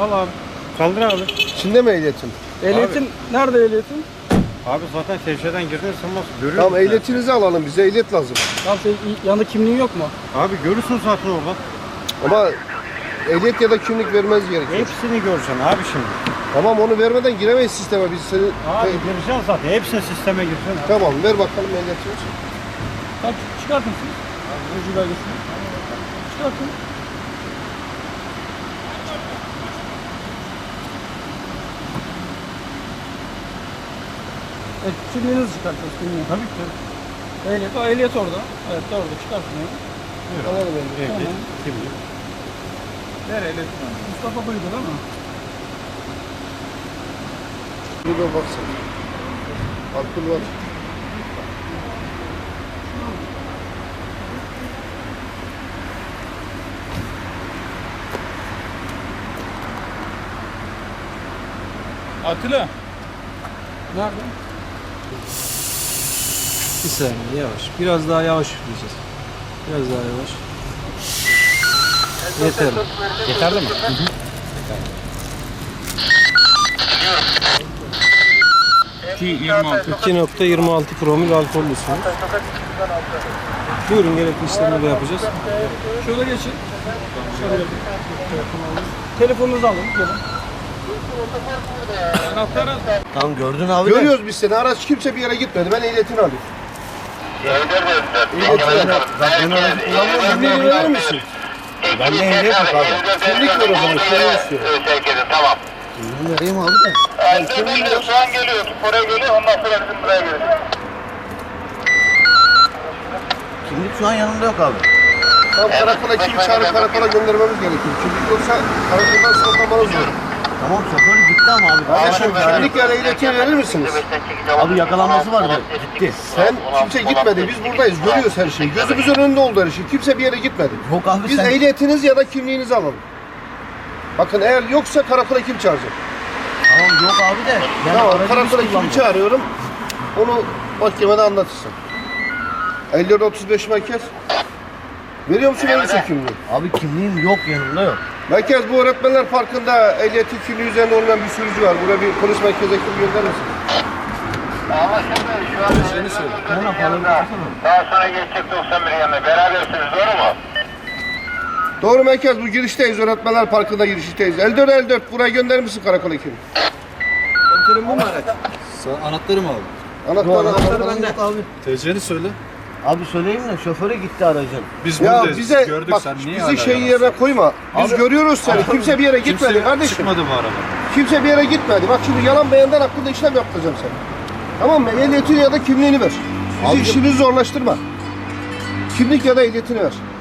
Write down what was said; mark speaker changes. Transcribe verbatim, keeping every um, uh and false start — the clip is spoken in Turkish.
Speaker 1: Al abi. Kaldır abi.
Speaker 2: İçinde mi ehliyetin?
Speaker 3: Ehliyetin nerede ehliyetin?
Speaker 1: Abi zaten şevşeden girdin sanmaz. Görüyorsun.
Speaker 2: Tamam
Speaker 1: sen.
Speaker 2: ehliyetinizi alalım. Bize ehliyet lazım.
Speaker 3: Tamam senin yanında kimliğin yok mu?
Speaker 1: Abi görürsün zaten orada.
Speaker 2: Ama ehliyet ya da kimlik vermeniz gerekiyor.
Speaker 1: Hepsini göreceksin abi şimdi.
Speaker 2: Tamam onu vermeden giremeyiz sisteme. Biz seni...
Speaker 1: Abi
Speaker 2: Te-
Speaker 1: gireceksin zaten. Hepsini sisteme gireceksin. Abi.
Speaker 2: Tamam ver bakalım ehliyetinizi.
Speaker 3: Tamam çıkartın siz. Ucu belgesini. Çıkartın. Evet, kimliğinizi çıkartıyoruz kimliğini.
Speaker 1: Tabii ki.
Speaker 3: Ehliyet, o ehliyet orada. Evet orada çıkartın onu.
Speaker 1: Buyur abi.
Speaker 2: Alalım ehliyeti.
Speaker 1: Ehliyet,
Speaker 3: Tamam.
Speaker 1: kimlik.
Speaker 3: Ver ehliyetini. Mustafa buydu değil mi?
Speaker 2: Bir de baksana. Alkol var.
Speaker 3: Atilla. Nerede?
Speaker 4: Bir saniye yavaş. Biraz daha yavaş üfleyeceğiz. Biraz daha yavaş. Yeter.
Speaker 1: Yeterli mi?
Speaker 4: iki nokta yirmi altı promil alkollüsünüz. Buyurun gerekli işlemleri yapacağız.
Speaker 3: Şöyle geçin. Şöyle yapın. Telefonunuzu alın. Gelin. Anahtarı.
Speaker 5: Tamam gördün abi de.
Speaker 2: Görüyoruz biz seni. Araç kimse bir yere gitmedi. Ben ehliyetini alayım. Ehliyetini al.
Speaker 1: Ben aracı kullanmıyorum.
Speaker 2: Kimliğini verir misin?
Speaker 1: Ben de ehliyet yok abi.
Speaker 2: Kimlik ver o zaman. Kimliği istiyorum.
Speaker 5: Tamam. Bunu vereyim abi de.
Speaker 2: Yani kimliğini ver.
Speaker 5: Şu an geliyor. Oraya geliyor. Ondan sonra bizim buraya geliyor. Kimlik şu an yanımda yok abi.
Speaker 2: Tam karakola kim çağırıp karakola göndermemiz gerekiyor. Kimlik yoksa karakoldan soklamanız zor.
Speaker 5: Tamam şoför gitti ama abi.
Speaker 2: Kardeşim kimlik ya da ehliyetini verir misiniz?
Speaker 5: Abi yakalanması vardı. Gitti.
Speaker 2: Sen kimse gitmedi. Biz buradayız. Görüyoruz her şeyi. Gözümüzün önünde oldu her şey. Kimse bir yere gitmedi.
Speaker 5: Yok abi
Speaker 2: Biz
Speaker 5: sen.
Speaker 2: ehliyetiniz ya da kimliğinizi alalım. Bakın eğer yoksa karakola kim çağıracak?
Speaker 5: Tamam yok abi de. Yani
Speaker 2: Tamam
Speaker 5: aracı biz
Speaker 2: karakola kimi
Speaker 5: kullandık.
Speaker 2: çağırıyorum. Onu mahkemede anlatırsın. elli dört otuz beş merkez. Veriyor musun elbise kimliği?
Speaker 5: Abi kimliğim yok yanımda yok.
Speaker 2: Merkez bu öğretmenler parkında ehliyeti kimliği üzerinde olmayan bir sürücü var. Buraya bir polis merkezi ekip gönderir misin?
Speaker 5: Ama şimdi şu an seni söyle. Ne yapalım? Daha sonra geçecek doksan bir yanına. Berabersiniz doğru mu?
Speaker 2: Doğru merkez bu girişteyiz. Öğretmenler parkında girişteyiz. elli dört elli dört buraya gönderir misin karakola kimi?
Speaker 4: Komiserim bu mu araç? Sen anahtarı mı aldın?
Speaker 2: Anahtar
Speaker 5: Anahtarı
Speaker 2: anahtar.
Speaker 5: bende. Abi.
Speaker 4: T C'ni söyle.
Speaker 5: Abi söyleyeyim de şoföre gitti aracın.
Speaker 4: Biz
Speaker 2: Ya
Speaker 4: buradayız.
Speaker 2: bize
Speaker 4: Gördük
Speaker 2: bak
Speaker 4: sen niye
Speaker 2: bizi
Speaker 4: hala
Speaker 2: şey
Speaker 4: yalan
Speaker 2: yerine koyma. Biz
Speaker 5: Abi-
Speaker 2: görüyoruz seni. Kimse bir yere gitmedi
Speaker 4: Kimse
Speaker 2: kardeşim.
Speaker 4: çıkmadı bu araba.
Speaker 2: Kimse bir yere gitmedi. Bak şimdi yalan beyandan hakkında işlem yaptıracağım sana. Tamam mı? Ehliyetini ya da kimliğini ver. Bizi
Speaker 5: Abicim-
Speaker 2: işini zorlaştırma. Kimlik ya da ehliyetini ver.